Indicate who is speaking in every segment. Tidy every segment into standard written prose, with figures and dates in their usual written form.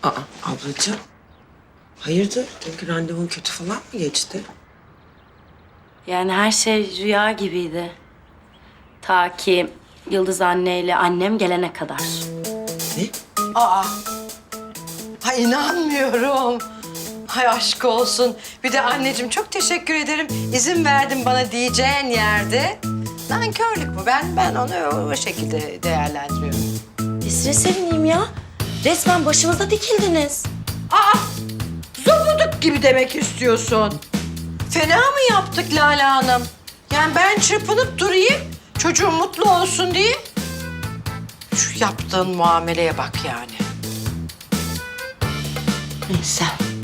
Speaker 1: Aa, ablacığım. Hayırdır? Dünkü randevun kötü falan mı geçti?
Speaker 2: Yani her şey rüya gibiydi. Ta ki Yıldız anneyle annem gelene kadar.
Speaker 1: Ne?
Speaker 3: Aa. Ha inanmıyorum. Hay aşk olsun. Bir de anneciğim çok teşekkür ederim. İzin verdin bana diyeceğin yerde. Nankörlük bu. Ben onu o şekilde değerlendiriyorum.
Speaker 2: Nesrin sevineyim ya. Resmen başımıza dikildiniz.
Speaker 3: Aa! Zobuduk gibi demek istiyorsun. Fena mı yaptık Lale Hanım? Yani ben çırpınıp durayım, çocuğum mutlu olsun diye. Şu yaptığın muameleye bak yani. Neyse.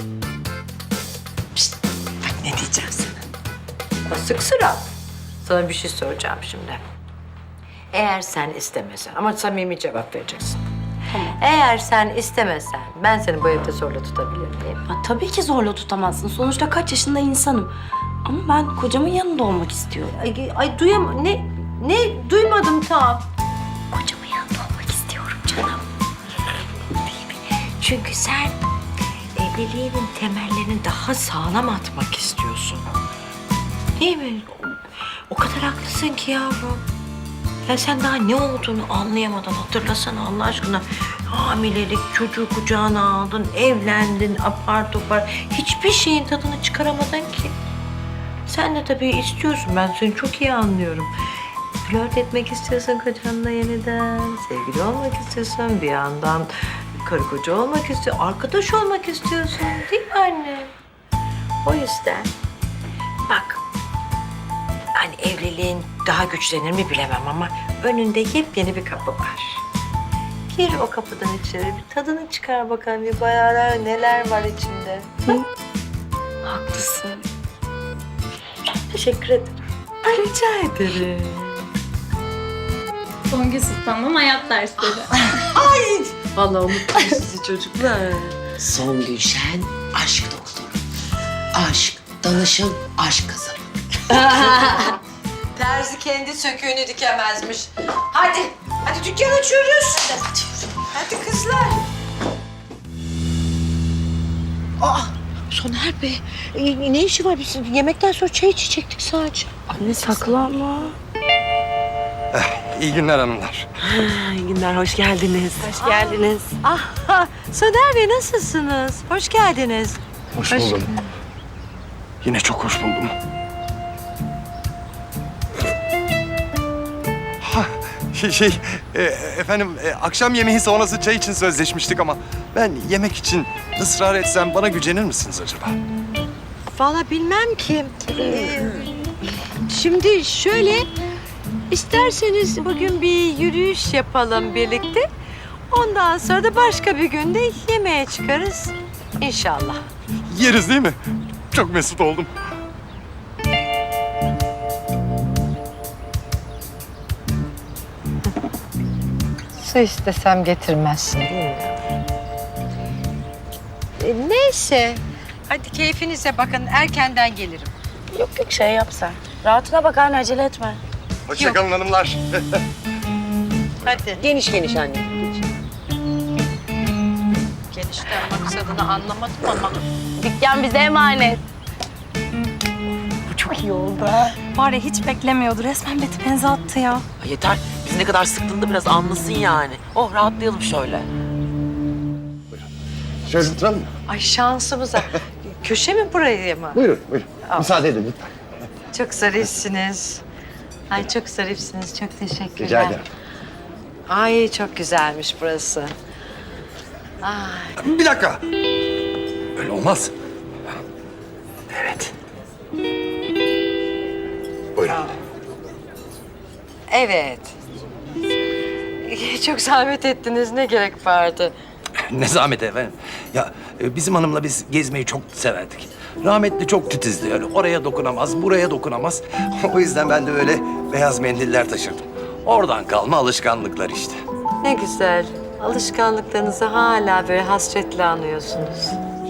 Speaker 3: Pişt, bak ne diyeceğim sana. Sık sıra. Sana bir şey soracağım şimdi. Eğer sen istemesen, ama samimi cevap vereceksin.
Speaker 2: Tamam.
Speaker 3: Eğer sen istemesen, ben seni bu evde zorla tutabilir miyim?
Speaker 2: Ya, tabii ki zorla tutamazsın. Sonuçta kaç yaşında insanım. Ama ben kocamın yanında olmak istiyorum.
Speaker 3: Ay duyam... Ne duymadım tam.
Speaker 2: Kocamın yanında olmak istiyorum canım.
Speaker 3: Değil mi? Çünkü sen evliliğinin temellerini daha sağlam atmak istiyorsun. Değil mi? O kadar haklısın ki yavrum. Ya sen daha ne olduğunu anlayamadan hatırlasana Allah aşkına. Hamilelik, çocuğu kucağına aldın, evlendin, apar topar. Hiçbir şeyin tadını çıkaramadın ki. Sen de tabii istiyorsun, ben seni çok iyi anlıyorum. Flört etmek istiyorsun kocanla yeniden, sevgili olmak istiyorsun, bir yandan karı koca olmak istiyorsun, arkadaş olmak istiyorsun değil mi anne? O yüzden bak, hani evliliğin daha güçlenir mi bilemem ama önünde yepyeni bir kapı var. Gir o kapıdan içeri, bir tadını çıkar bakalım, bir bayağı neler var içinde. Hı?
Speaker 2: Haklısın.
Speaker 3: Teşekkür ederim. Ay, rica ederim.
Speaker 4: Songül Sultan'dan hayat dersleri.
Speaker 3: Ay! Vallahi unuttum sizi çocuklar.
Speaker 1: Son Gülşen, aşk doktoru. Aşk, danışın, aşk kızı.
Speaker 3: Terzi kendi söküğünü dikemezmiş. Hadi dükkan açıyoruz. Hadi kızlar. Aa, Soner Bey, ne işi var? Biz yemekten sonra çay içecektik sadece.
Speaker 2: Anne saklanma.
Speaker 5: İyi günler hanımlar.
Speaker 1: İyi günler, hoş geldiniz.
Speaker 2: Hoş geldiniz.
Speaker 3: Ah, Soner Bey nasılsınız? Hoş geldiniz.
Speaker 5: Hoş buldum. Yine çok hoş buldum. Ha, efendim akşam yemeği sonrası çay için sözleşmiştik ama ben yemek için ısrar etsem bana gücenir misiniz acaba?
Speaker 3: Vallahi bilmem ki. Şimdi şöyle, isterseniz bugün bir yürüyüş yapalım birlikte. Ondan sonra da başka bir günde yemeğe çıkarız. İnşallah.
Speaker 5: Yeriz değil mi? Çok mesut oldum.
Speaker 3: Su istesem getirmezsin değil mi? Neyse. Hadi keyfinize bakın. Erkenden gelirim.
Speaker 2: Yok şey yap sen. Rahatına bak anne, acele etme.
Speaker 5: Hoşçakalın hanımlar.
Speaker 3: Hadi.
Speaker 1: Geniş geniş anne.
Speaker 3: Genişten maksadını anlamadım ama.
Speaker 2: Dükkan bize emanet.
Speaker 1: Bu çok iyi oldu.
Speaker 4: Var ya hiç beklemiyordu. Resmen beti benze attı ya.
Speaker 1: Yeter, biz ne kadar sıktığını biraz anlasın yani. Oh, rahatlayalım şöyle.
Speaker 5: Şöyle oturalım mı?
Speaker 3: Ay şansımıza. Köşe mi burayı mı?
Speaker 5: Buyurun, buyurun. Müsaade edin lütfen.
Speaker 3: Çok zarifsiniz. Ay çok zarifsiniz. Çok teşekkürler.
Speaker 5: Rica ederim.
Speaker 3: Ay çok güzelmiş burası. Ay.
Speaker 5: Bir dakika. Öyle olmaz. Evet. Buyurun.
Speaker 3: Evet. Çok zahmet ettiniz. Ne gerek vardı?
Speaker 5: Ne zahmet efendim. Ya bizim hanımla biz gezmeyi çok severdik. Rahmetli çok titizdi öyle. Oraya dokunamaz, buraya dokunamaz. O yüzden ben de öyle beyaz mendiller taşırdım. Oradan kalma alışkanlıklar işte.
Speaker 3: Ne güzel. Alışkanlıklarınızı hala böyle hasretle anıyorsunuz.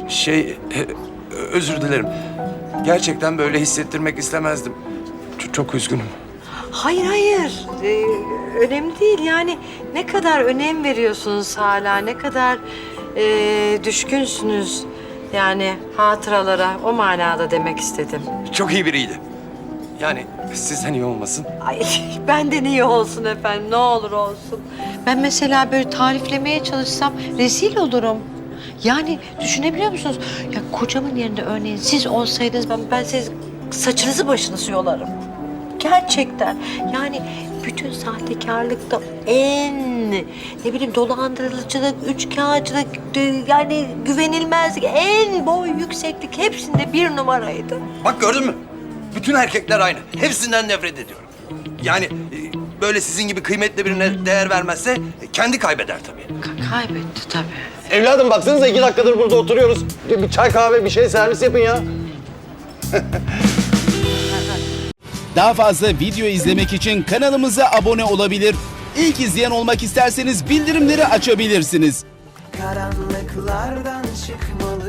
Speaker 5: Özür dilerim. Gerçekten böyle hissettirmek istemezdim. Çok üzgünüm.
Speaker 3: Hayır, hayır. Önemli değil yani. Ne kadar önem veriyorsunuz hala, ne kadar düşkünsünüz. Yani hatıralara o manada demek istedim.
Speaker 5: Çok iyi biriydi. Yani sizden iyi olmasın.
Speaker 3: Ay benden iyi olsun efendim, ne olur olsun. Ben mesela böyle tariflemeye çalışsam rezil olurum. Yani düşünebiliyor musunuz? Ya kocamın yerinde örneğin siz olsaydınız ben siz saçınızı başınızı yolarım. Gerçekten. Yani bütün sahtekarlıkta en ne bileyim dolandırıcılık, üçkağıtçılık, yani güvenilmezlik, en boy yükseklik hepsinde bir numaraydı.
Speaker 5: Bak gördün mü? Bütün erkekler aynı. Hepsinden nefret ediyorum. Yani böyle sizin gibi kıymetli birine değer vermezse kendi kaybeder tabii.
Speaker 3: Kaybetti tabii.
Speaker 6: Evladım baksanıza 2 dakikadır burada oturuyoruz. Bir çay kahve bir şey servis yapın ya.
Speaker 7: Daha fazla video izlemek için kanalımıza abone olabilir. İlk izleyen olmak isterseniz bildirimleri açabilirsiniz.
Speaker 8: Karanlıklardan çıkmalı